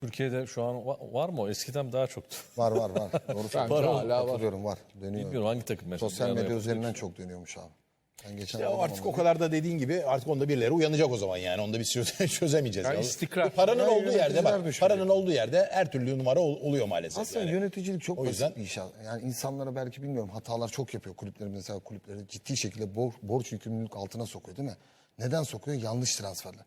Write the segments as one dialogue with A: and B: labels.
A: Türkiye'de şu an var mı o? Eskiden daha çoktu.
B: Var. Doğru söylüyorsun.
C: hala var.
B: Katılıyorum, var. Dönüyor.
A: Bilmiyorum hangi takım mesela.
B: Sosyal
A: Bir
B: medya
A: ara
B: üzerinden çok dönüyormuş abi. Ben geçen
C: Ya
B: aradım
C: artık
B: onu.
C: o kadar da dediğin gibi artık onda birileri uyanacak o zaman yani. Onda bir çözemeyeceğiz.
D: Yani
C: ya.
D: istikrar.
C: Paranın
B: Yani
C: olduğu yerde bak.
B: yöneticiler
C: Paranın olduğu yerde her türlü numara oluyor maalesef.
B: Aslında
C: yani.
B: yöneticilik çok
C: O yüzden-
B: basit bir iş. Yani insanlara belki bilmiyorum hatalar çok yapıyor kulüpleri, mesela kulüpleri ciddi şekilde borç yükümlülük altına sokuyor değil mi? Neden sokuyor? Yanlış transferler.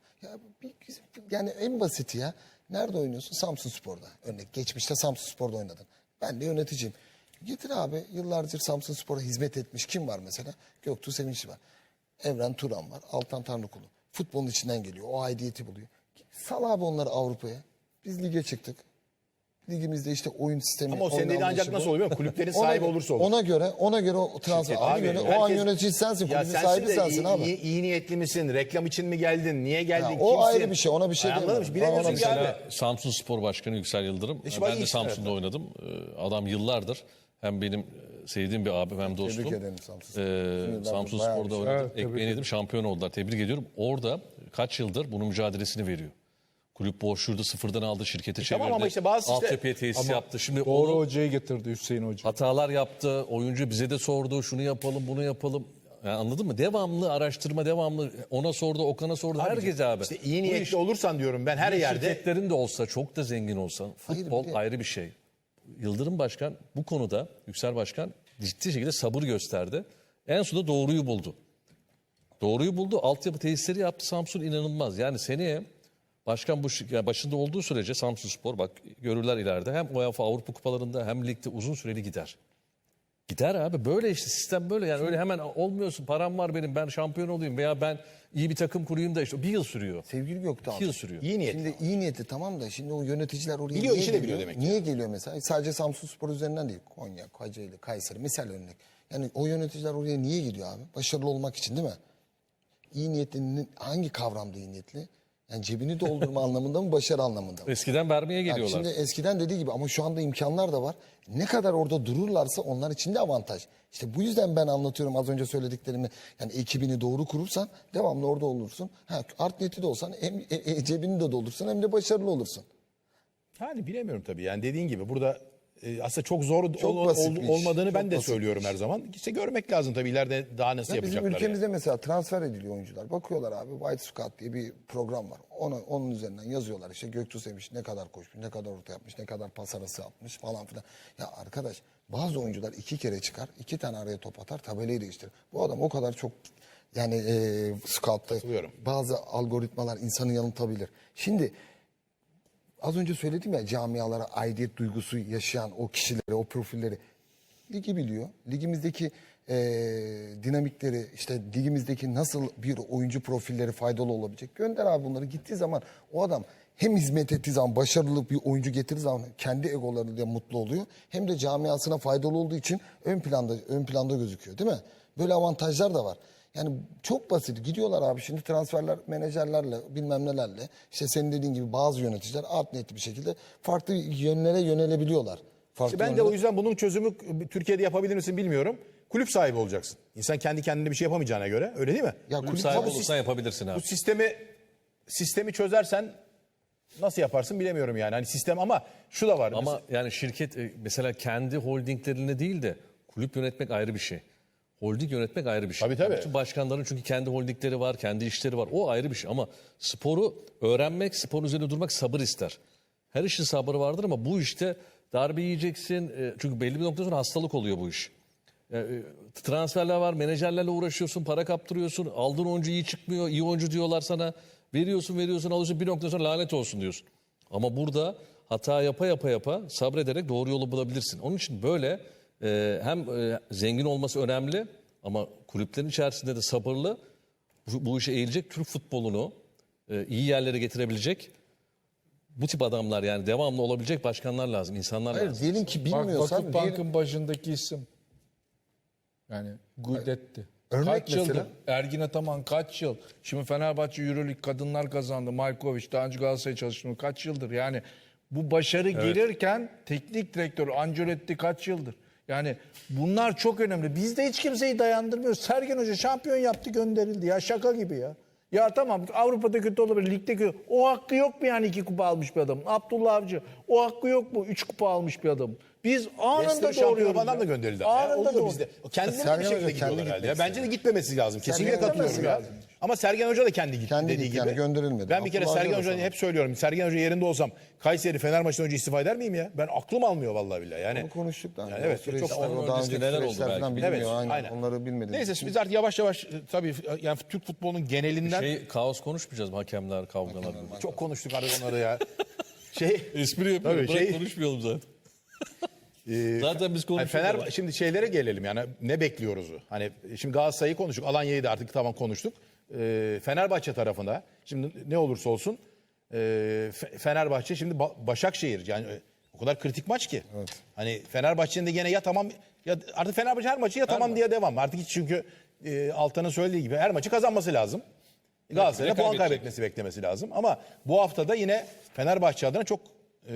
B: Yani en basiti ya. Nerede oynuyorsun? Samsunspor'da. Örnek geçmişte Samsunspor'da oynadın. Ben de yöneticiyim. Getir abi, yıllardır Samsunspor'a hizmet etmiş kim var mesela? Göktuğ Sevinçli var. Evren Turan var. Altan Tanrıkulu. Futbolun içinden geliyor. O aidiyeti buluyor. Sal abi onları Avrupa'ya. Biz lige çıktık. Ligimizde işte oyun sistemi.
C: Ama o senin dediğin
B: oynanışı
C: ancak
B: bu.
C: nasıl oluyor? Kulüplerin sahibi olursa olur.
B: Ona göre o transfer. Ona göre o an yönetici sensin. Kulübün sahibi sensin abi.
C: iyi niyetli misin? Reklam için mi geldin? Niye geldin?
B: Ya,
C: Kimsin?
B: o ayrı bir şey, ona bir şey
C: Anladın
B: demiyorum.
C: mı? Bilemiyorsun
B: Ona
C: ki abi.
A: Mesela Samsun Spor Başkanı Yüksel Yıldırım.
C: İşte
A: Ben
C: iyi
A: de
C: işler
A: Samsun'da oynadım. Adam yıllardır hem benim sevdiğim bir abim hem dostum.
B: Tebrik ederim Samsun.
A: Samsun
B: Bayağı
A: Spor'da
B: bir şey.
A: oynadım. Ekmeğini yedim, şampiyon oldular. Tebrik ediyorum. Orada kaç yıldır bunun mücadelesini veriyor. Kulüp borçluydu, sıfırdan aldı, şirketi çevirdi.
C: Tamam ama işte bazı
A: altyapıya tesis yaptı. Şimdi
D: Doğru
A: onu
D: hocayı getirdi Hüseyin Hoca.
A: hatalar yaptı. Oyuncu bize de sordu. Şunu yapalım, bunu yapalım. Yani anladın mı? Devamlı araştırma, devamlı ona sordu, Okan'a sordu. Herkes abi.
C: İşte iyi
A: Bu
C: niyetli
A: iş-
C: olursan diyorum ben her yerde.
A: Şirketlerin de olsa, çok da zengin olsa futbol ayrı bir şey. Yıldırım Başkan bu konuda, Yüksel Başkan ciddi şekilde sabır gösterdi. En sonunda doğruyu buldu. Doğruyu buldu. Altyapı tesisleri yaptı Samsun, inanılmaz. Yani seneye başkan yani başında olduğu sürece Samsunspor bak görürler ileride. Hem UEFA Avrupa Kupalarında hem ligde uzun süreli gider. Gider abi, böyle işte sistem böyle, yani öyle hemen olmuyorsun, param var benim, ben şampiyon olayım veya ben iyi bir takım kurayım da işte bir yıl sürüyor.
B: Sevgili Göktuğ
A: 2 yıl sürüyor.
C: İyi niyetli.
B: Şimdi iyi niyeti tamam da şimdi o yöneticiler oraya
C: Biliyor,
B: niye
C: işi de
B: geliyor?
C: biliyor demek ki.
B: Niye geliyor mesela? Sadece Samsunspor üzerinden değil. Konya, Kocaeli, Kayseri misal örnek. Yani o yöneticiler oraya niye gidiyor abi? Başarılı olmak için değil mi? İyi niyetli hangi kavramda iyi niyetli? Yani cebini doldurma anlamında mı, başarı anlamında mı?
A: Eskiden vermeye
B: Yani
A: geliyorlar.
B: şimdi eskiden dediği gibi ama şu anda imkanlar da var. Ne kadar orada dururlarsa onlar için de avantaj. İşte bu yüzden ben anlatıyorum az önce söylediklerimi. Yani ekibini doğru kurursan devamlı orada olursun. Art niyeti de olsan hem cebini de doldursun hem de başarılı olursun.
C: Yani bilemiyorum tabii. Yani dediğin gibi burada aslında çok zor
B: Çok basit bir iş.
C: olmadığını
B: Çok
C: ben de
B: basit
C: söylüyorum
B: bir
C: her zaman. İşte görmek lazım tabii ileride daha nasıl
B: Ya bizim
C: yapacaklar.
B: ülkemizde mesela transfer ediliyor oyuncular. Bakıyorlar abi White Scout diye bir program var. Onun üzerinden yazıyorlar işte Göktuğ Sevinç ne kadar koşmuş, ne kadar orta yapmış, ne kadar pas arası yapmış falan filan. Ya arkadaş bazı oyuncular 2 kere çıkar, 2 tane araya top atar, tabelayı değiştirir. Bu adam o kadar çok yani scout'ta
C: Katılıyorum.
B: bazı algoritmalar insanı yanıltabilir. Şimdi az önce söyledim ya camialara aidiyet duygusu yaşayan o kişileri, o profilleri ligi biliyor. Ligimizdeki dinamikleri, işte ligimizdeki nasıl bir oyuncu profilleri faydalı olabilecek. Gönder abi bunları. Gittiği zaman o adam hem hizmet ettiği zaman başarılı bir oyuncu getirdiği zaman kendi egolarıyla mutlu oluyor. Hem de camiasına faydalı olduğu için ön planda gözüküyor değil mi? Böyle avantajlar da var. Yani çok basit. Gidiyorlar abi şimdi transferler menajerlerle bilmem nelerle işte senin dediğin gibi bazı yöneticiler art niyetli bir şekilde farklı yönlere yönelebiliyorlar. Farklı
C: Ben de
B: yönlere-
C: o yüzden bunun çözümü Türkiye'de yapabilir misin bilmiyorum. Kulüp sahibi olacaksın. İnsan kendi kendine bir şey yapamayacağına göre öyle değil mi?
B: Ya
A: Kulüp
B: kulüp
A: sahibi
B: tabii
A: olursan yapabilirsin abi.
C: Bu sistemi çözersen nasıl yaparsın bilemiyorum yani. Hani sistem ama şu da var.
A: Ama yani şirket mesela kendi holdinglerine değil de kulüp yönetmek ayrı bir şey. Holding yönetmek ayrı bir şey.
C: Tabii, tabii.
A: Bütün başkanların çünkü kendi holdingleri var, kendi işleri var. O ayrı bir şey ama sporu öğrenmek, sporun üzerinde durmak sabır ister. Her işin sabrı vardır ama bu işte darbe yiyeceksin. Çünkü belli bir noktadan sonra hastalık oluyor bu iş. Transferler var, menajerlerle uğraşıyorsun, para kaptırıyorsun. Aldığın oyuncu iyi çıkmıyor, iyi oyuncu diyorlar sana. Veriyorsun, alıyorsun, bir noktadan sonra lanet olsun diyorsun. Ama burada hata yapa sabrederek doğru yolu bulabilirsin. Onun için böyle hem zengin olması önemli ama kulüplerin içerisinde de sabırlı bu işe eğilecek Türk futbolunu iyi yerlere getirebilecek bu tip adamlar, yani devamlı olabilecek başkanlar lazım, insanlar
B: Hayır
A: lazım.
B: diyelim ki
D: Bak
B: bilmiyorsan
D: Vakıfbank'ın başındaki isim. Yani Gudet'ti.
B: Örnek
D: Kaç
B: mesela?
D: yıldır? Ergin Ataman kaç yıl? Şimdi Fenerbahçe Euroleague kadınlar kazandı. Malkovic daha önce Galatasaray'a çalıştı. Kaç yıldır? Yani bu başarı gelirken teknik direktör Ancelotti kaç yıldır? Yani bunlar çok önemli. Bizde hiç kimseyi dayandırmıyor. Sergen Hoca şampiyon yaptı, gönderildi ya, şaka gibi ya. Ya tamam Avrupa'da kötü olabilir, ligde kötü. O hakkı yok mu yani 2 kupa almış bir adam? Abdullah Avcı o hakkı yok mu 3 kupa almış bir adam? Biz anında
C: Leicester şampiyon
D: doğruyoruz.
C: falan
D: ya.
C: da gönderildi. ama ya.
D: Anında
C: Oluyor
D: doğru.
C: bizde. Kendileri de
B: Sergen
C: bir şekilde
B: Hoca kendi
C: gidiyorlar herhalde. Ya.
B: gitmek
C: Bence de gitmemesi lazım. Kesinlikle
B: Sergen
C: katılıyorum
B: gitmesi
C: ya.
B: lazım.
C: Ama Sergen Hoca da kendi gitti
B: Kendi
C: dediği
B: gitti,
C: gibi.
B: yani gönderilmedi.
C: Ben bir kere
B: Abdullah
C: Sergen
B: Avcı da
C: Hoca'yı
B: sana.
C: hep söylüyorum. Sergen Hoca yerinde olsam Kayseri Fenerbahçe'den önce istifa eder miyim ya? Ben aklım almıyor vallahi billahi. Yani
B: Bunu konuştuk da.
C: Yani
B: Yani
C: evet,
B: o süreçler,
C: çok-
A: onun
B: o daha
A: öncesinde
B: önceki
A: neler oldu
B: süreçler
A: belki
B: falan
A: bilmiyorum.
B: bilmiyor.
C: Evet,
B: aynen.
C: aynen.
B: Onları bilmediğimiz
C: neyse
B: için.
C: biz artık yavaş yavaş tabii yani Türk futbolunun genelinden
A: Kaos konuşmayacağız mı hakemler, kavgalar?
C: çok konuştuk artık onları ya. Şey
A: Espri yapıyorum.
C: Tabii,
A: Bırak konuşmayalım zaten. Zaten biz
C: Yani
A: konuşuyoruz.
C: şimdi şeylere gelelim yani ne bekliyoruz? Hani şimdi Galatasaray'ı konuştuk, Alanya'yı da artık tamam konuştuk. Fenerbahçe tarafında şimdi ne olursa olsun Fenerbahçe şimdi Başakşehir yani o kadar kritik maç ki. Hani Fenerbahçe'nin de gene ya tamam ya artık Fenerbahçe her maçı ya tamam diye devam. Artık hiç çünkü Altan'ın söylediği gibi her maçı kazanması lazım. Galatasaray'a puan
A: kaybedecek.
C: kaybetmesi beklemesi lazım. Ama bu hafta da yine Fenerbahçe adına çok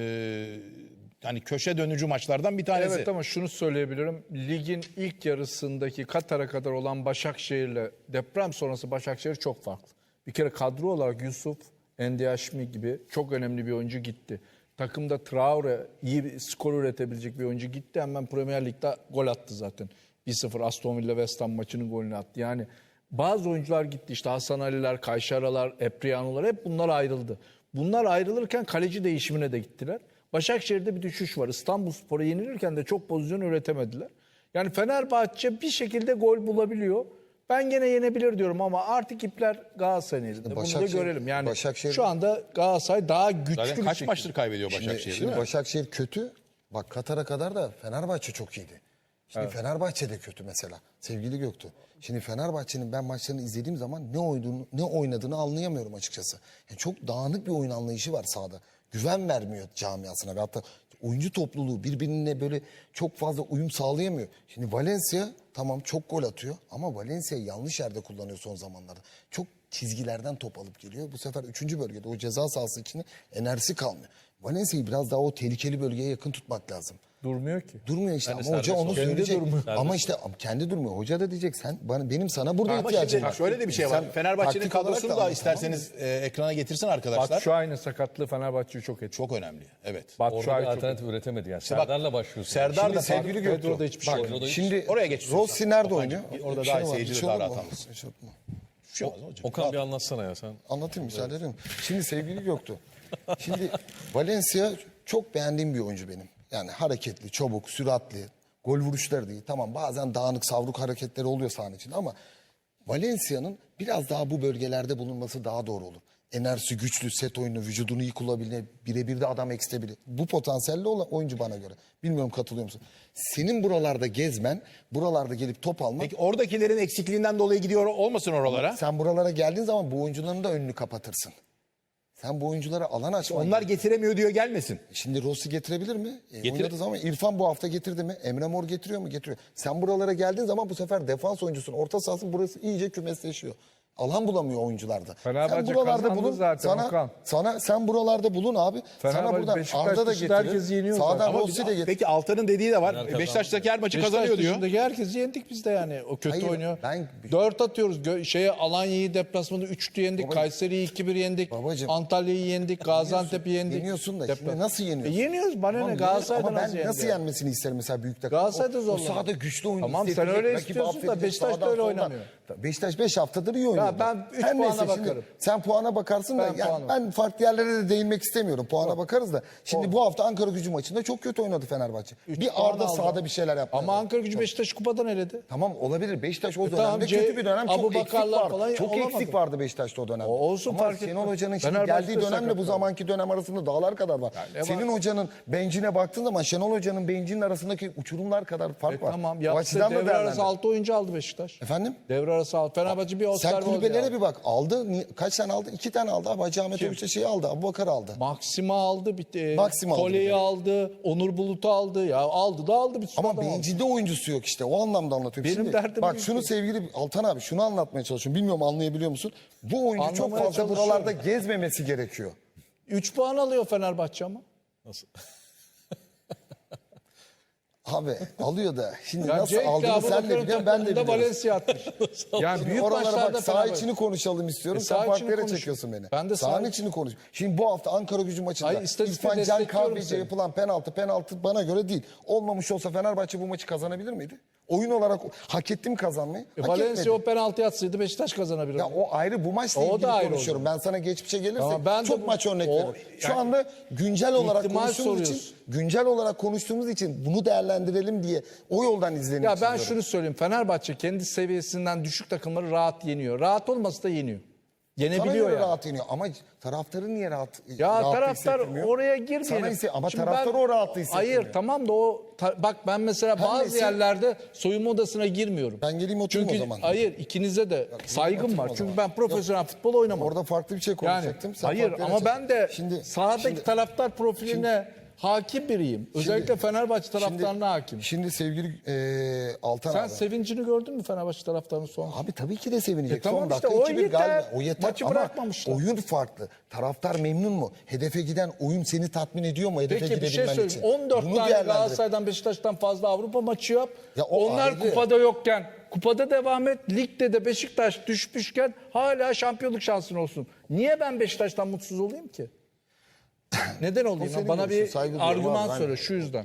C: yani köşe dönücü maçlardan bir tanesi.
D: Evet ama şunu söyleyebilirim. Ligin ilk yarısındaki Katar'a kadar olan Başakşehir'le deprem sonrası Başakşehir çok farklı. Bir kere kadro olarak Yusuf, Endiaşmi gibi çok önemli bir oyuncu gitti. Takımda Traore iyi bir skor üretebilecek bir oyuncu gitti. Hemen Premier Lig'de gol attı zaten. 1-0 Aston Villa West Ham maçının golünü attı. Yani bazı oyuncular gitti. İşte Hasan Ali'ler, Kayşaralar, Epriano'lar hep bunlar ayrıldı. Bunlar ayrılırken kaleci değişimine de gittiler. Başakşehir'de bir düşüş var. İstanbulspor'a yenilirken de çok pozisyon üretemediler. Yani Fenerbahçe bir şekilde gol bulabiliyor. Ben gene yenebilir diyorum ama artık ipler Galatasaray'ın elinde. Bunu da
B: Başakşehir-
D: görelim. Yani
B: Başakşehir-
D: şu anda Galatasaray daha güçlü
C: Zaten
D: bir
C: kaç
D: şekilde.
C: maçtır kaybediyor Başakşehir
B: Şimdi
C: değil mi?
B: Başakşehir kötü. Bak Katar'a kadar da Fenerbahçe çok iyiydi. Şimdi Fenerbahçe de kötü mesela. Sevgili Göktuğ. Şimdi Fenerbahçe'nin ben maçlarını izlediğim zaman ne oynadığını anlayamıyorum açıkçası. Yani çok dağınık bir oyun anlayışı var sahada. Güven vermiyor camiasına. Ve hatta oyuncu topluluğu birbirine böyle çok fazla uyum sağlayamıyor. Şimdi Valencia tamam çok gol atıyor ama Valencia'yı yanlış yerde kullanıyor son zamanlarda. Çok çizgilerden top alıp geliyor. Bu sefer 3. bölgede o ceza sahası içinde enerjisi kalmıyor. Valencia'yı biraz daha o tehlikeli bölgeye yakın tutmak lazım.
D: Durmuyor ki.
B: Durmuyor işte
A: Yani
B: ama hoca
A: serbest
B: onu
A: oluyor.
B: söyleyecek.
D: Kendi durmuyor.
B: Ama işte kendi durmuyor. Hoca da diyecek benim sana burada
C: Ama
B: ihtiyacım
C: şimdi
B: var.
C: şöyle de bir şey var.
B: Sen
C: Fenerbahçe'nin
B: taktik olarak
C: kadrosunu da
B: anlat,
C: isterseniz ekrana getirsin arkadaşlar.
D: Batshuayi'nin sakatlığı Fenerbahçe'yi çok etkiledi.
C: Çok önemli. Evet.
A: Orada
D: Batshuayi
A: bir
D: çok
A: alternatif üretemedi yani.
C: bak,
A: Serdar'la başlıyorsun.
C: Serdar
B: Şimdi
C: da
B: sevgili
C: farklı.
B: Göktuğ.
D: Pedro'da hiçbir şey
B: Bak,
D: oynamadı.
B: şimdi
C: Oraya geç
B: Rossi
C: istiyorsan.
B: nerede
C: Okan,
B: oynuyor?
C: orada
B: Bir
C: daha
B: şey var,
C: seyirci
B: bir
C: de
B: şey
C: daha
B: olur
C: rahat
B: mu?
C: anlasın.
B: Bir şey olur mu?
C: Bir şey olmaz hocam.
A: Okan bir anlatsana ya sen.
B: Anlatayım müsaade edin. Şimdi sevgili Göktuğ. Şimdi Valencia çok beğendiğim bir oyuncu benim. Yani hareketli, çabuk, süratli, gol vuruşları değil. Tamam bazen dağınık savruk hareketleri oluyor sahanın içinde ama Valencia'nın biraz daha bu bölgelerde bulunması daha doğru olur. Enerjisi güçlü, set oyunu, vücudunu iyi kullanabilen, birebir de adam ekstebilir. Bu potansiyelli olan oyuncu bana göre. Bilmiyorum katılıyor musun? Senin buralarda gezmen, buralarda gelip top almak.
C: Peki oradakilerin eksikliğinden dolayı gidiyor olmasın oralara?
B: Sen buralara geldiğin zaman bu oyuncuların da önünü kapatırsın. Sen bu oyunculara alan açman.
C: Onlar getiremiyor diyor gelmesin.
B: Şimdi Rossi getirebilir mi?
C: Getir-
B: Oynadığı zaman İrfan bu hafta getirdi mi? Emre Mor getiriyor mu? Getiriyor. Sen buralara geldiğin zaman bu sefer defans oyuncusun. Orta sahasın burası iyice kümesleşiyor. Alan bulamıyor oyuncularda.
D: Fenerbahçe kazandı zaten, Okan.
B: Sen buralarda bulun abi. Sana
D: Fenerbahçe,
B: buradan
D: Beşiktaş
B: Arda da
D: dışında herkes
B: getirir.
D: yeniyor
B: Sağdan
D: zaten.
B: Rossi de getirir.
C: Peki Altan'ın dediği de var. Beşiktaş'taki her maçı kazanıyor
D: Beşiktaş
C: diyor.
D: dışındaki herkesi yendik biz de yani. O kötü
B: Hayır,
D: oynuyor.
B: ben-
D: 4 atıyoruz. Alanya'yı deplasmanda 3'lü yendik. Kayseri'yi 2-1 yendik.
B: Babacım.
D: Antalya'yı yendik. Gaziantep'i yendik.
B: Yeniyorsun da şimdi nasıl yeniyorsun?
D: Yeniyoruz. Bana
B: Tamam,
D: ne? Galatasaray'da
B: ama
D: nasıl
B: ben nasıl
D: yendi?
B: yenmesini isterim mesela büyük takım.
D: Galatasaray'da
B: O
D: zorlanıyor.
B: sahada güçlü oyunu
D: Tamam, sen
B: hissettirecek,
D: öyle
B: rakibi
D: istiyorsun da
B: affedecek,
D: Beşiktaş da
B: sağdan
D: öyle
B: soldan.
D: oynamıyor.
B: Beşiktaş 5 haftadır iyi oynuyor.
D: ben üç
B: Her
D: puana
B: neyse şimdi
D: bakarım.
B: sen puana bakarsın da
D: Ben
B: yani
D: puana
B: ben farklı yerlere de değinmek istemiyorum. Puana bakarız da. Şimdi bu hafta Ankara Gücü maçında çok kötü oynadı Fenerbahçe. Bir
D: puan
B: Arda
D: aldı.
B: sahada bir şeyler yaptı.
D: Ama Ankara Gücü Beşiktaş'ı kupadan eledi.
B: Tamam olabilir. Beşiktaş o dönemde
D: tamam,
B: kötü bir dönem. Çok eksik
D: Abubakarlar
B: vardı.
D: falan
B: Çok
D: olamadı.
B: eksik vardı Beşiktaş'ta o dönemde.
D: Olsun,
B: ama
D: fark
B: Şenol
D: etmez.
B: Hoca'nın şimdi
D: Fenerbahçe'de
B: geldiği dönemle bu
D: sakatlandı.
B: zamanki dönem arasında dağlar kadar var.
D: ne
B: Senin
D: var?
B: hocanın bencine baktığın zaman Şenol Hoca'nın bencinin arasındaki uçurumlar kadar fark var.
D: Tamam.
B: O
D: Yaptı.
B: açıdan da
D: Devre arası
B: değerlendir.
D: 6 oyuncu aldı Beşiktaş.
B: Efendim?
D: Devre arası 6. Fenerbahçe bir
B: Sen
D: Osterwolde
B: kulübelere
D: aldı.
B: bir bak. Aldı. Kaç tane aldı? 2 tane aldı. Abi Hacı Ahmet Övüş'te şeyi aldı. Abubakar aldı.
D: Maxima aldı.
B: Maxima aldı bir
D: Kole'yi
B: de.
D: aldı. Onur Bulut'u aldı. Ya aldı da aldı. Bir sürü
B: Ama
D: adam aldı.
B: bencilde oyuncusu yok işte. O anlamda anlatıyorum.
D: Benim
B: Şimdi,
D: derdim
B: bak
D: büyük
B: şunu
D: şey.
B: sevgili Altan abi şunu anlatmaya çalışıyorum. Bilmiyorum anlayabiliyor musun? Bu oyuncu çok
D: Anlamaya
B: fazla
D: çalışıyorum.
B: buralarda gezmemesi gerekiyor.
D: 3 puan alıyor Fenerbahçe ama.
A: Nasıl?
B: Abi alıyor da şimdi
D: Ya
B: nasıl
D: Cenk de
B: aldığını
D: Abu
B: sen de
D: Bakar'ın
B: biliyorsun ben de
D: takımında
B: biliyorum.
D: Valencia atmış. Yani büyük
B: Oralara
D: maçlarda
B: bak saha
D: Fenerbahçe.
B: içini konuşalım istiyorum.
D: saha
B: Sen farklı
D: içini
B: yere
D: konuş.
B: çekiyorsun beni.
D: Ben de
B: Sahanın
D: saha-
B: içini konuş. Şimdi bu hafta Ankara Gücü maçında
D: Hayır, istatistikle
B: İrfan Can
D: destekliyorum
B: Kahveci'ye
D: seni.
B: yapılan penaltı bana göre değil. Olmamış olsa Fenerbahçe bu maçı kazanabilir miydi? Oyun olarak hak etti mi kazanmayı? Hak
D: Valencia
B: etmedi.
D: o penaltı atsaydı Beşiktaş kazanabilirdi.
B: Ya o ayrı bu maçla
D: O
B: ilgili
D: da ayrı
B: konuşuyorum. Ben sana geçmişe gelirsek
D: Tamam, ben de
B: çok
D: bu-
B: maç örnek
D: o-
B: veririm. Şu
D: yani
B: anda güncel olarak
D: ihtimal
B: konuştuğumuz için
D: soruyorsun.
B: güncel olarak konuştuğumuz için bunu değerlendirelim diye o yoldan izleniyor.
D: Ya ben şunu söyleyeyim. Fenerbahçe kendi seviyesinden düşük takımları rahat yeniyor. Rahat olması da yeniyor.
B: sana
D: Yenebiliyor
B: göre
D: yani.
B: rahat yeniyor ama taraftarı niye rahat?
D: Ya
B: rahat
D: taraftar
B: hissettirmiyor?
D: oraya girmeyelim.
B: Sana ama
D: Şimdi
B: taraftar o rahatlığı hissettirmiyor.
D: Hayır tamam da bak ben mesela bazı
B: neyse-
D: yerlerde soyunma odasına girmiyorum.
B: Ben geleyim oturayım
D: Çünkü
B: o zaman.
D: hayır ikinize de saygım
B: oturayım
D: var.
B: o
D: Çünkü
B: zaman.
D: ben profesyonel futbol oynamadım.
B: Orada farklı bir şey
D: Yani
B: konuşacaktım. Sen
D: hayır
B: farklı
D: ama
B: yere
D: ben de
B: çektin.
D: sahadaki taraftar profiline hakim biriyim. Özellikle Fenerbahçe taraftarına hakim.
B: Şimdi sevgili Altan
D: Sen
B: abi.
D: sevincini gördün mü Fenerbahçe taraftarının son?
B: Abi tabii ki de sevinecek.
D: tamam
B: Son
D: işte,
B: dakika
D: o
B: 2-1
D: yeter.
B: galiba. O yeter.
D: Maçı
B: ama
D: bırakmamışlar.
B: oyun farklı. Taraftar memnun mu? Hedefe giden oyun seni tatmin ediyor mu? Hedefe
D: Peki bir şey
B: gidebilmen
D: söyleyeyim.
B: için.
D: 14
B: Bunu
D: tane
B: değerlendirip-
D: Galatasaray'dan Beşiktaş'tan fazla Avrupa maçı yap.
B: Ya o
D: Onlar
B: ayrı.
D: kupada yokken, kupada devam et. Ligde de Beşiktaş düşmüşken hala şampiyonluk şansın olsun. Niye ben Beşiktaş'tan mutsuz olayım ki? Neden olayım?
B: senin
D: Bana
B: görüşün,
D: bir
B: saygı duyuyorum
D: argüman
B: abi,
D: söyle
B: aynen.
D: şu yüzden.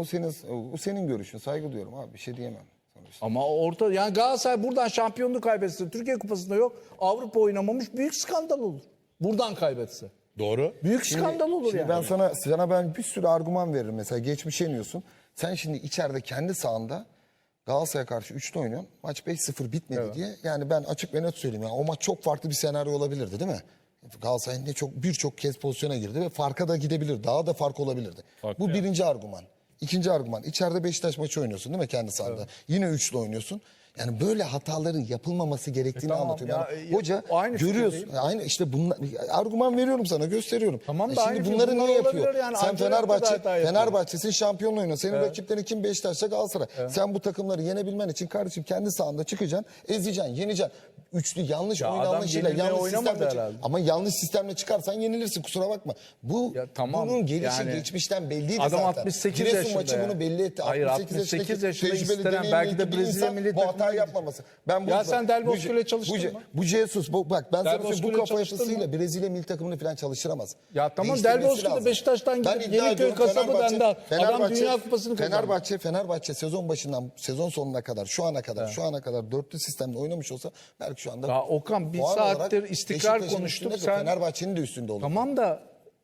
B: O senin görüşün. Saygı duyuyorum abi. Bir şey diyemem. Sonuçta.
D: Ama orta yani Galatasaray buradan şampiyonluk kaybetse, Türkiye Kupası'nda yok, Avrupa oynamamış, büyük skandal olur. Buradan kaybetse.
C: Doğru.
D: Büyük skandal olur
B: Şimdi
D: yani.
B: ben sana bir sürü argüman veririm. Mesela geçmişe iniyorsun. Sen şimdi içeride kendi sahanda Galatasaray'a karşı 3'te oynuyorsun. Maç 5-0 bitmedi diye. Yani ben açık ve net söyleyeyim. Yani o maç çok farklı bir senaryo olabilirdi değil mi? Galatasaray birçok kez pozisyona girdi ve farka da gidebilir. Daha da fark olabilirdi. Bu birinci argüman. İkinci argüman. İçeride Beşiktaş maçı oynuyorsun değil mi kendi sahanda? Yine 3'lü oynuyorsun. Yani böyle hataların yapılmaması gerektiğini
D: tamam
B: anlatıyorum.
D: ya,
B: Yani hoca
D: aynı
B: görüyorsun.
D: fikirdeyim.
B: Aynı işte bunlar argüman veriyorum sana, gösteriyorum.
D: Tamam da
B: Şimdi
D: aynı
B: bunları
D: bunlar
B: niye
D: olabilir
B: yapıyor?
D: yani.
B: Sen
D: Ancelotti de hata yapıyor.
B: Fenerbahçe'sin şampiyonla oynuyor. Senin rakiplerin kim? Beşiktaş'ta Galatasaray. Sen bu takımları yenebilmen için kardeşim kendi sahanda çıkacaksın, ezeceksin, yeneceksin. Üçlü yanlış
D: Ya
B: oyun
D: adam
B: anlayışıyla
D: yenilmeye
B: yanlış
D: oynamadı
B: sistemle
D: herhalde.
B: ama yanlış sistemle çıkarsan yenilirsin, kusura bakma.
D: Ya tamam,
B: Bunun gelişi
D: yani
B: geçmişten belliydi
D: adam
B: zaten.
D: 68
B: Giresun
D: yaşında
B: maçı
D: ya.
B: bunu belli etti.
D: Hayır, 68 yaşında istenen, belki de
B: bir
D: Brezilya
B: insan
D: milli
B: bu hatayı
D: takımına
B: yapmaması. Ben
D: Ya sen Del Bosque'yle çalıştın mı?
B: Bu Jesus bak ben sana
D: Del
B: söyleyeyim, bu
D: Bosque'yle
B: kafa
D: çalıştın
B: yapısıyla
D: mı?
B: Brezilya milli takımını falan çalıştıramaz.
D: Ya tamam,
B: Değiştirmesi
D: Del Bosque de
B: lazım.
D: Beşiktaş'tan
B: Ben
D: gidip
B: iddia
D: Yeniköy
B: ediyorum,
D: kasabı dendi. Adam
B: Fenerbahçe-
D: Dünya Kupası'nı kazandı.
B: Fenerbahçe sezon başından sezon sonuna kadar şu ana kadar dörtlü sistemde oynamış olsa belki şu anda
D: Ya Okan, bir
B: puan
D: saattir
B: olarak
D: istikrar
B: Beşiktaş'ın
D: konuştuk.
B: üstünde de
D: Sen
B: Fenerbahçe'nin de üstünde olur.
D: tamam da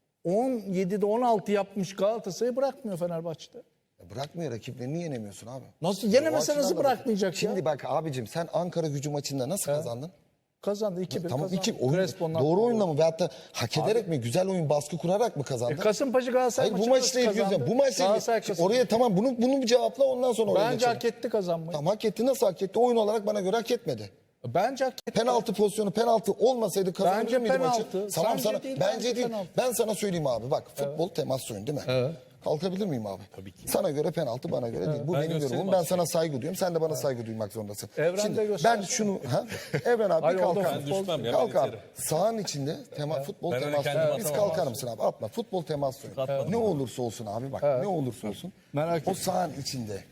D: 17'de 16 yapmış Galatasaray'ı bırakmıyor Fenerbahçe'de.
B: Bırakmıyor, rakiplerini yenemiyorsun abi.
D: Nasıl
B: O
D: yenemese
B: açıdan
D: nasıl
B: da bak.
D: bırakmayacak ya?
B: Şimdi bak abicim sen Ankara Gücü maçında nasıl kazandın?
D: Kazandı 2-1
B: Tamam
D: kazandı.
B: iki oyun,
D: Crespo'ndan
B: doğru
D: gol.
B: oyunla mı veyahut da hak ederek mi, güzel oyun baskı kurarak mı kazandın?
D: Kasımpaşa Galatasaray
B: Hayır bu
D: maçı
B: maçla ilgili
D: kazandı.
B: bu maçla
D: Galatasaray
B: ilgili
D: kazandı.
B: oraya tamam bunu bir cevapla ondan sonra oraya
D: Bence
B: geçelim.
D: hak etti kazanmayı.
B: Tamam hak etti, nasıl hak etti? Oyun olarak bana göre hak etmedi.
D: Bence hak etti.
B: Penaltı pozisyonu penaltı olmasaydı kazanabilir
D: Bence
B: miydi maçı?
D: penaltı.
B: Tamam
D: Sence
B: sana
D: değil,
B: bence
D: bence
B: değil.
D: penaltı.
B: Ben sana söyleyeyim abi bak futbol temas oyunu değil mi? Evet. Kalkabilir miyim abi? Tabii ki. Sana göre penaltı, bana göre değil. Bu benim
A: göstereyim
B: yorumum. Ben sana saygı duyuyorum. Sen de bana saygı duymak zorundasın.
D: Evren de
B: Şimdi ben
D: göstersin.
B: şunu Evren abi
D: Hayır,
B: bir
D: o da
B: kalkar
A: Ben
B: mısın?
A: düşmem ya,
B: Kalk
A: ben
B: abi.
A: iterim.
B: Sahanın içinde futbol
A: Ben öyle
B: temas
A: kendim
B: oyunu. Biz
A: atamam
B: kalkar
A: abi.
B: mısın abi? Atma. Futbol temas oyunu.
A: Atmadım
B: Ne
A: abi.
B: olursa olsun abi bak. Ne olursa olsun.
D: Merak
B: o
D: etme.
B: sahanın içinde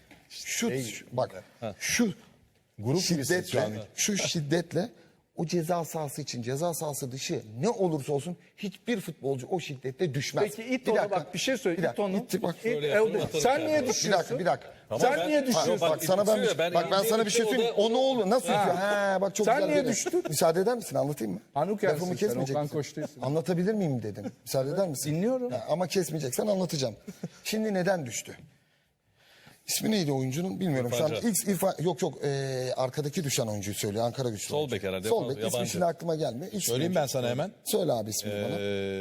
B: şu
C: Grup gibi şu
B: şiddetle,
C: an.
B: şu şiddetle o ceza sahası için, ceza sahası dışı ne olursa olsun hiçbir futbolcu o şiddetle düşmez.
D: Peki it onu, bak bir şey söyle.
B: Bir dakika,
D: it onu.
B: it- bak,
D: İt-
A: Öyle yapalım, atalım
D: sen
A: yani.
D: niye
B: bir
D: düşüyorsun?
B: dakika.
D: Sen
A: ben-
D: niye düşüyorsun?
B: Bak sana ben
A: itiyor, ben
B: bak ben sana bir şey
A: yendiğim
B: söyleyeyim.
A: için
B: O ne oldu? Nasıl itiyor? Ha bak çok
D: Sen
B: güzel.
D: niye
B: dedin.
D: düştün?
B: Müsaade eder misin? Anlatayım mı?
D: Anuk yersin
B: Lafımı
D: sen,
B: kesmeyecek
D: Okan
B: misin?
D: Koç değilsin.
B: Anlatabilir miyim dedim. Müsaade eder misin?
D: Dinliyorum.
B: Ha, ama kesmeyeceksen anlatacağım. Şimdi neden düştü? İsmi neydi oyuncunun bilmiyorum. Şu an
A: İrfan
B: ilk İrfan arkadaki düşen oyuncuyu söylüyor. Ankara Güçlü.
A: Sol
B: oyuncu.
A: bek herhalde,
B: Sol bek. İsmi
A: yabancı.
B: şimdi aklıma gelmiyor. İlk
C: Söyleyeyim ben sana hemen.
B: Söyle abi ismini bana.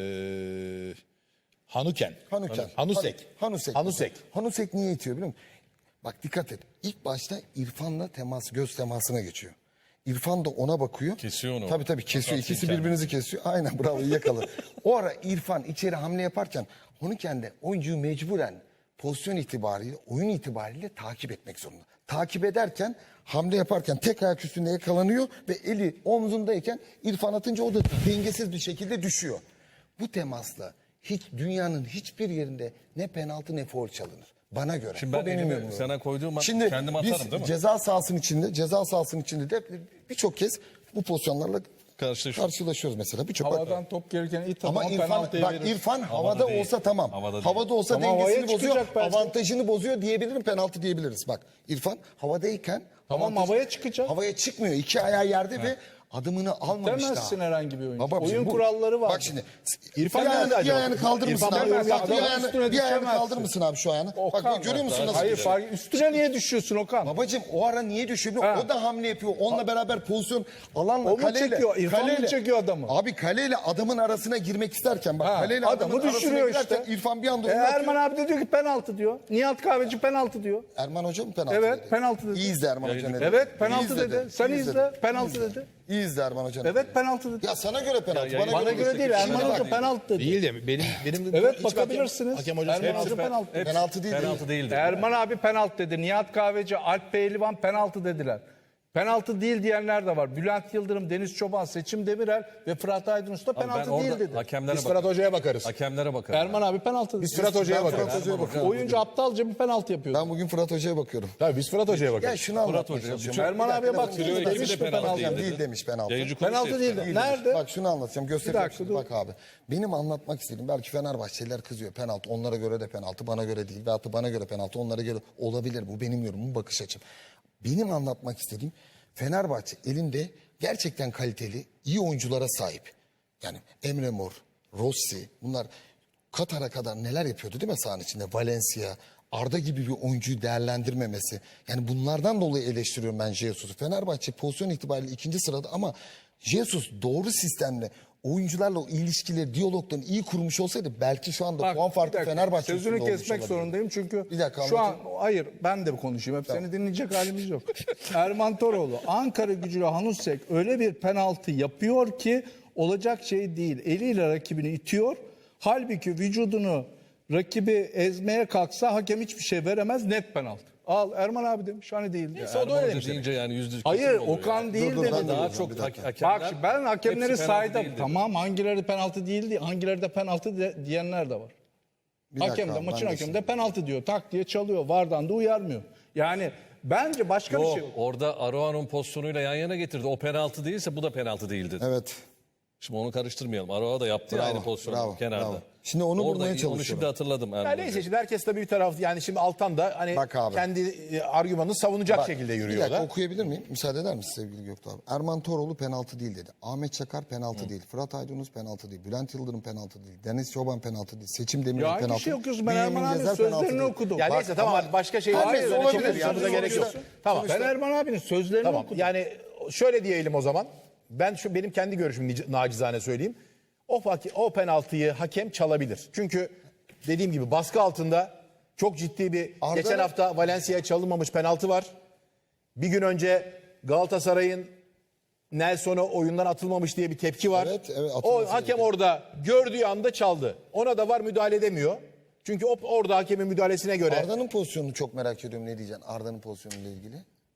C: Hanuken.
B: Hanuken.
C: Hanusek.
B: Hanusek.
C: Hanusek.
B: Hanusek niye itiyor biliyor musun? Bak dikkat et. İlk başta İrfan'la göz temasına geçiyor. İrfan da ona bakıyor.
A: Kesiyor onu.
B: Tabii kesiyor.
A: Atarsın
B: İkisi
A: kendini.
B: birbirinizi kesiyor. Aynen bravo iyi yakaladı. O ara İrfan içeri hamle yaparken Hanuken de oyuncuyu mecburen pozisyon itibariyle, oyun itibariyle takip etmek zorunda. Takip ederken, hamle yaparken tek ayak üstünde yakalanıyor ve eli omzundayken İrfan atınca o da dengesiz bir şekilde düşüyor. Bu temasla dünyanın hiçbir yerinde ne penaltı ne faul çalınır. Bana göre.
A: Şimdi
B: Bu
A: ben
B: benim
A: elimi
B: yorumum.
A: sana koyduğum an
B: Şimdi
A: kendim
B: biz
A: atarım değil mi?
B: ceza sahasının içinde de birçok kez bu pozisyonlarla karşılaşıyoruz mesela. Birçok
D: Havadan top gelirken it
B: ama
D: ama
B: İrfan,
D: penaltıya
B: bak
D: verir.
B: İrfan
A: Havada
B: havada
A: değil.
B: olsa tamam.
A: Havada değil.
B: Havada olsa
D: Ama havaya
B: dengesini bozuyor,
D: çıkacak belki.
B: avantajını bozuyor diyebilirim, penaltı diyebiliriz. Bak İrfan havadayken
D: Tamam, havaya çıkacak.
B: Havaya çıkmıyor. İki ayağı yerde ve adımını almamış daha.
D: Demezsin herhangi bir oyuncu.
B: Baba,
D: Oyun
B: bu-
D: kuralları var.
B: Bak şimdi
C: İrfan
B: bir ayağını,
C: nerede
B: bir
C: acaba?
B: ayağını kaldırır mısın
C: İrfan
B: abi?
C: demez.
B: Bak,
D: Adamın üstüne
B: bir ayağını
D: düşemezsin.
B: kaldırır mısın abi şu ayağını?
D: Okan,
B: Bak görüyor musun nasıl?
D: Hayır
B: gidiyor?
D: üstüne niye düşüyorsun Okan?
B: Babacım o ara niye düşüyor?
D: Ha.
B: O da hamle yapıyor. Onunla beraber pozisyon alanla
D: O mu
B: kaleyle.
D: çekiyor? İrfan mı çekiyor adamı?
B: Abi kaleyle adamın arasına girmek isterken bak
D: Ha,
B: kaleyle
D: adamı
B: adamın arasına
D: düşürüyor
B: girerken
D: işte.
B: İrfan bir anda onu atıyor.
D: Erman abi de diyor ki penaltı diyor. Nihat Kahveci penaltı diyor.
B: Erman Hoca mı penaltı
D: Evet,
B: dedi?
D: penaltı dedi.
B: İyi izle Erman Hoca ne dedi?
D: Evet penaltı
B: İyi izle
D: dedi. Sen
B: İyi
D: izle. Penaltı dedi.
B: İyi izle Erman Hoca ne
D: Evet
B: dedi?
D: penaltı dedi.
B: Ya sana göre penaltı.
A: Ya,
D: Bana göre değil. Erman
B: Şimdi
D: Hoca
B: bak,
D: penaltı dedi.
C: Değil de benim
D: Evet
C: hiç
D: bakabilirsiniz.
C: hakem hocası
D: Erman
C: hepsi
D: Hoca penaltı dedi.
B: Penaltı değil.
A: Penaltı değildi.
D: Erman abi penaltı dedi. Nihat Kahveci, Alp Pehlivan penaltı dediler. Penaltı değil diyenler de var. Bülent Yıldırım, Deniz Çoban, Seçim Demirel ve Fırat Aydınus da
A: Abi ben
D: penaltı
A: orada
D: değil dedi.
A: hakemlere
C: Biz Fırat
A: bakarım.
C: Hoca'ya bakarız.
A: Hakemlere bakarım.
D: Erman abi penaltı dedi.
C: Biz Fırat Hoca'ya
B: Ben Fırat
C: bakarız.
B: Hoca'ya bakıyorum.
D: Oyuncu aptalca bir penaltı yapıyordu.
B: Ben bugün Fırat Hoca'ya bakıyorum.
C: Tabii biz Fırat Hoca'ya
B: Ya
C: bakarız.
B: şunu anlatmaya
A: Hoca,
B: çalışıyorum.
D: Erman
B: Bir
D: abiye
B: dakika,
D: bak.
B: demiş
A: Trio
B: mi
A: ekibi de
B: penaltı?
A: penaltı
B: Değil,
A: değil dedi.
B: demiş penaltı.
A: Yayıncı
D: Penaltı
A: kuruluş
D: değildi.
A: dedi.
D: Nerede?
B: Bak şunu anlatacağım. Göstereceğim
D: dakika,
B: şimdi.
D: dur.
B: Bak abi. Benim anlatmak istediğim belki Fenerbahçeliler kızıyor. Penaltı onlara göre de penaltı. Bana göre değil. Veyahut da bana göre penaltı onlara göre olabilir. Bu benim yorumum, bakış açım. Benim anlatmak istediğim Fenerbahçe elinde gerçekten kaliteli, iyi oyunculara sahip. Yani Emre Mor, Rossi bunlar Katar'a kadar neler yapıyordu değil mi sahanın içinde? Valencia, Arda gibi bir oyuncuyu değerlendirmemesi. Yani bunlardan dolayı eleştiriyorum ben Jesus'u. Fenerbahçe pozisyon itibariyle ikinci sırada ama Jesus doğru sistemle oyuncularla o ilişkileri, diyaloglarını iyi kurmuş olsaydı belki şu anda
D: Bak,
B: puan
D: bir
B: farkı
D: dakika,
B: Fenerbahçe
D: sözünü
B: üstünde olmuş
D: kesmek
B: olabilir.
D: zorundayım çünkü
B: Bir dakika,
D: şu an
B: anlatayım.
D: hayır ben de konuşayım. Hep seni dinleyecek halimiz yok. Erman Toroğlu Ankara Gücü'yle Hanusek öyle bir penaltı yapıyor ki olacak şey değil. Eliyle rakibini itiyor. Halbuki vücudunu rakibi ezmeye kalksa hakem hiçbir şey veremez, net penaltı. Al Erman abi demiş hani değil.
C: o da öyle
A: Erman
C: demiş
A: Hoca deyince yani %100
D: Hayır
A: kesin oluyor
D: Okan
A: yani.
D: değil
B: Dur,
D: dedi.
B: ben de
A: Daha
B: diyorum,
A: çok
B: bir dakika.
A: hakemler.
D: Bak ben hakemleri
A: hepsi penaltı
D: saydım.
A: değil dedi.
D: Tamam hangileri penaltı değildi, hangileri de penaltı diyenler de var.
B: Bir dakika
D: Hakem de
B: abi,
D: maçın
B: ben de
D: hakemi de penaltı diyor. Tak diye çalıyor. Vardan da uyarmıyor. Yani bence başka bir
A: Yok,
D: şey.
A: orada Aroa'nın pozisyonuyla yan yana getirdi. O penaltı değilse bu da penaltı değildi.
B: Evet.
A: Şimdi onu karıştırmayalım. Aroa da yaptı
B: Bravo,
A: aynı pozisyonu
B: bravo,
A: kenarda.
B: bravo. Şimdi onu bulmaya
A: Onu
B: çalışıyorum.
A: şimdi hatırladım.
C: Ya
A: Erman
C: neyse
A: Hoca.
C: şimdi herkes tabii bir taraf yani şimdi Altan da hani
B: Bak abi.
C: kendi argümanını savunacak
B: Bak,
C: şekilde
B: bir
C: yürüyor
B: dakika
C: da.
B: okuyabilir miyim? Müsaade eder misin sevgili Göktuğ abi? Erman Toroğlu penaltı değil dedi. Ahmet Çakar penaltı değil. Fırat Aydınus penaltı değil. Bülent Yıldırım penaltı değil. Deniz Çoban penaltı değil. Seçim Demirel
D: Ya hangi
B: penaltı
D: şey
B: değil.
D: okuyorsun? Ben
B: Bünyamin
D: Erman abinin
B: Gezer penaltı
D: sözlerini
B: değil.
D: okudum.
C: Ya
B: Bak,
C: neyse tamam
B: ama-
C: başka şeyler
B: Hayır,
C: üzerine
B: olabilir.
C: çekeriz. Yanımıza gerek yok. Tamam.
D: Ben Erman abinin sözlerini
C: Tamam.
D: okudum.
C: Yani şöyle diyelim o zaman. Ben benim kendi görüşümü nacizane söyleyeyim. O penaltıyı hakem çalabilir. Çünkü dediğim gibi baskı altında çok ciddi bir
B: Arda-
C: geçen hafta Valencia'ya çalınmamış penaltı var. Bir gün önce Galatasaray'ın Nelson'a oyundan atılmamış diye bir tepki var.
B: Evet, evet,
C: o
B: atılması
C: hakem
B: gerekiyor.
C: orada gördüğü anda çaldı. Ona da var müdahale edemiyor. Çünkü orada hakemin müdahalesine göre
B: Arda'nın pozisyonunu çok merak ediyorum, ne diyeceksin Arda'nın pozisyonuyla ilgili.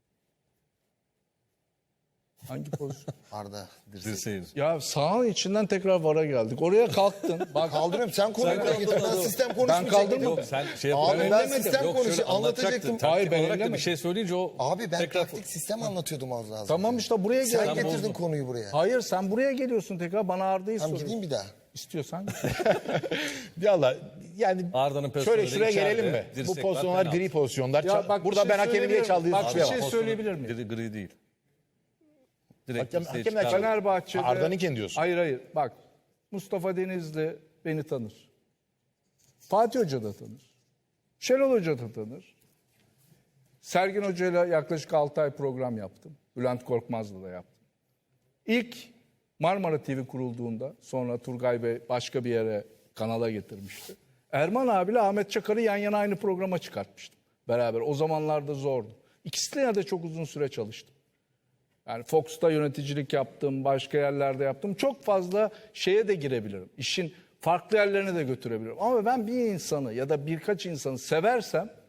D: Hangi pozisyon?
B: Arda dirsek.
A: Dirseğin.
D: Ya sahanın içinden tekrar VAR'a geldik. Oraya kalktın. Bak
B: Kaldırıyorum sen konuyu buraya getir. Ben sistem
D: Ben
B: konuşmayacaktım.
D: kaldırmadım.
A: Yok sen şey
B: Abi
A: yapıyorsun.
B: ben
D: ellemedim.
B: sistem
A: Yok,
B: konuşu
A: şöyle
B: anlatacaktım.
A: anlatacaktın.
D: Hayır,
A: Taktik
D: ben
A: olarak da bir
D: ellemedim.
A: şey söyleyince o
B: Abi ben
A: tekrar
B: taktik sistem anlatıyordum az daha.
D: tamam işte buraya
B: Sen
D: gel.
B: getirdin konuyu buraya.
D: Hayır sen buraya geliyorsun tekrar bana Arda'yı
B: Tamam
D: soruyorsun.
B: gideyim bir daha.
D: İstiyorsan.
C: Valla yani
A: Arda'nın
C: şöyle
A: pozisyonu
C: şuraya
A: içeride,
C: gelelim mi? Bu
A: dirsek var,
C: pozisyonlar
A: penaltı.
C: gri pozisyonlar.
D: Ya bak,
C: Burada
D: bir
C: ben
D: şey
C: hakemin niye
D: söyleyebilir
C: çaldığı
D: miyim? Bak, bir
C: suçlayamam.
D: şey söyleyebilir miyim?
A: Gri değil. Direkt
C: Hakem-
A: dirseğe
C: hakemler
A: çıkardı.
D: Fenerbahçe'de...
C: Arda'nınken diyorsun.
D: Hayır. Bak Mustafa Denizli beni tanır. Fatih Hoca da tanır. Şenol Hoca da tanır. Sergin Hoca'yla yaklaşık 6 ay program yaptım. Bülent Korkmaz'la da yaptım. İlk Marmara TV kurulduğunda sonra Turgay Bey başka bir yere kanala getirmişti. Erman abiyle Ahmet Çakar'ı yan yana aynı programa çıkartmıştım. Beraber o zamanlarda zordu. İkisiyle de çok uzun süre çalıştım. Yani Fox'ta yöneticilik yaptım, başka yerlerde yaptım. Çok fazla şeye de girebilirim. İşin farklı yerlerine de götürebilirim. Ama ben bir insanı ya da birkaç insanı seversem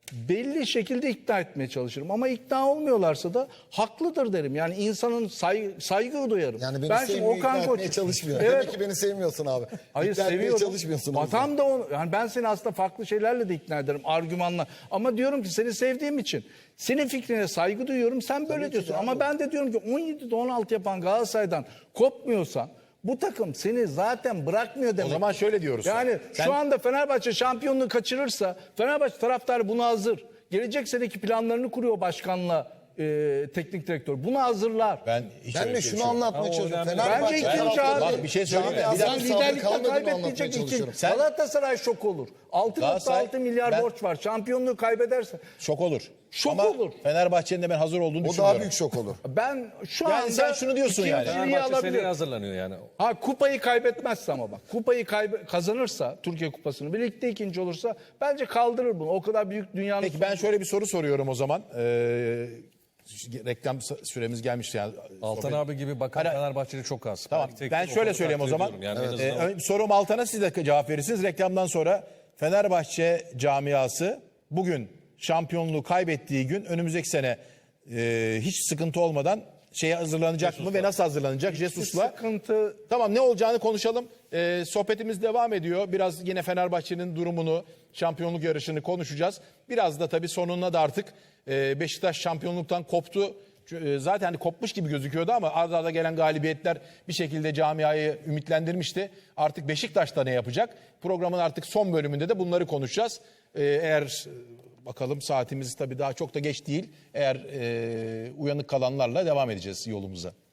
D: belli şekilde ikna etmeye çalışırım. Ama ikna olmuyorlarsa da haklıdır derim. Yani insanın saygı duyarım.
B: Yani beni
D: Ben şimdi
B: sevmiyor,
D: Okan
B: ikna
D: Koç-
B: etmeye çalışmıyor.
D: Evet.
B: Demek ki beni sevmiyorsun abi.
D: Hayır,
B: İkna etmeye
D: seviyorum.
B: çalışmıyorsun. o yüzden.
D: Tam da onu, yani ben seni aslında farklı şeylerle de ikna ederim, argümanla. Ama diyorum ki seni sevdiğim için senin fikrine saygı duyuyorum. Sen böyle
B: ki
D: diyorsun.
B: de
D: Ama
B: abi.
D: ben de diyorum ki 17'de 16 yapan Galatasaray'dan kopmuyorsan bu takım seni zaten bırakmıyor demek.
C: O zaman şöyle diyoruz.
D: Yani
C: Sen-
D: şu anda Fenerbahçe şampiyonluğu kaçırırsa Fenerbahçe taraftarı buna hazır. Gelecek seneki planlarını kuruyor başkanla teknik direktör. Bunu hazırlar.
C: Ben hiç
B: Ben
C: öyle
B: de
C: bir
B: şunu
C: şey yok.
B: anlatmaya
A: Ama o
B: çalışıyorum.
A: önemli.
B: Fenerbahçe
D: Bence ikinci
B: taraftarı-
D: abi.
C: Bak bir şey söyleyeyim mi?
B: Camiasının
C: Bir dakika.
B: sabrı
D: Liderlikten
B: kalmadı mı anlatmaya
D: kaybetmeyecek
B: çalışıyorum.
D: için Galatasaray şok olur. 6.6
C: Galatasaray-
D: milyar
C: ben-
D: borç var. Şampiyonluğu kaybederse.
C: Şok olur.
D: Şok
C: Ama
D: olur.
C: Fenerbahçe'nin de ben hazır olduğunu
B: O
C: düşünüyorum.
B: daha büyük şok olur.
D: Ben şu
C: Yani
D: anda
C: sen şunu diyorsun yani.
D: ikinciliği
A: Fenerbahçe seneye
D: alabilir.
A: hazırlanıyor yani.
D: Ha, kupayı kaybetmezse ama bak. Kupayı kazanırsa Türkiye Kupası'nı birlikte ikinci olursa bence kaldırır bunu. O kadar büyük dünyanın.
C: Peki ben şöyle bir soru soruyorum o zaman. Reklam süremiz gelmişti yani.
A: Altan
C: Sohbet-
A: abi gibi bakan
C: Hani-
A: Fenerbahçeli çok az.
C: Tamam
A: Belki tek
C: ben
A: tük
C: şöyle
A: o
C: söyleyeyim o
A: takdir
C: zaman.
A: ediyorum. Yani en azından
C: Sorum Altan'a siz de cevap verirsiniz. Reklamdan sonra Fenerbahçe camiası bugün şampiyonluğu kaybettiği gün önümüzdeki sene hiç sıkıntı olmadan şeye hazırlanacak mı ve nasıl hazırlanacak? Jesus'la.
D: sıkıntı.
C: Tamam ne olacağını konuşalım. Sohbetimiz devam ediyor. Biraz yine Fenerbahçe'nin durumunu, şampiyonluk yarışını konuşacağız. Biraz da tabii sonuna da artık Beşiktaş şampiyonluktan koptu. Zaten hani kopmuş gibi gözüküyordu ama arda arda gelen galibiyetler bir şekilde camiayı ümitlendirmişti. Artık Beşiktaş'ta ne yapacak? Programın artık son bölümünde de bunları konuşacağız. Eğer bakalım saatimiz tabii daha çok da geç değil. Eğer uyanık kalanlarla devam edeceğiz yolumuza.